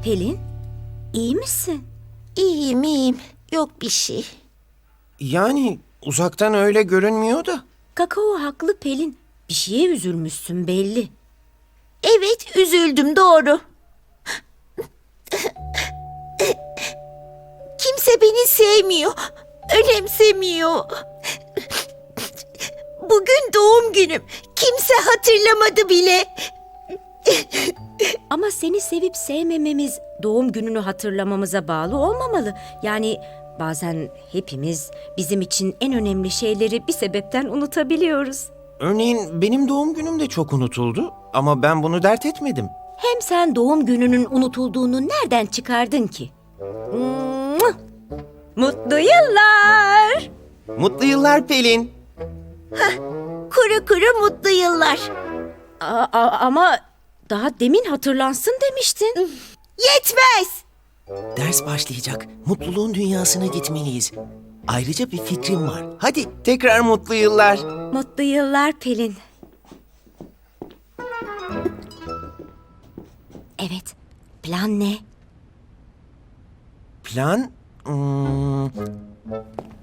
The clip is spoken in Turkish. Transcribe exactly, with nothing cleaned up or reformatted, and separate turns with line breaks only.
Pelin, iyi misin?
İyiyim iyiyim. Yok bir şey.
Yani uzaktan öyle görünmüyor da.
Kakao haklı Pelin. Bir şeye üzülmüşsün belli.
Evet üzüldüm doğru. Kimse beni sevmiyor. Önemsemiyor. Bugün doğum günüm. Kimse hatırlamadı bile.
Ama seni sevip sevmememiz doğum gününü hatırlamamıza bağlı olmamalı. Yani bazen hepimiz bizim için en önemli şeyleri bir sebepten unutabiliyoruz.
Örneğin benim doğum günüm de çok unutuldu ama ben bunu dert etmedim.
Hem sen doğum gününün unutulduğunu nereden çıkardın ki? Mua! Mutlu yıllar!
Mutlu yıllar Pelin.
Kuru kuru mutlu yıllar.
Aa, a- ama daha demin hatırlansın demiştin.
Yetmez.
Ders başlayacak. Mutluluğun dünyasına gitmeliyiz. Ayrıca bir fikrim var. Hadi tekrar mutlu yıllar.
Mutlu yıllar Pelin. Evet, plan ne?
Plan? Hmm,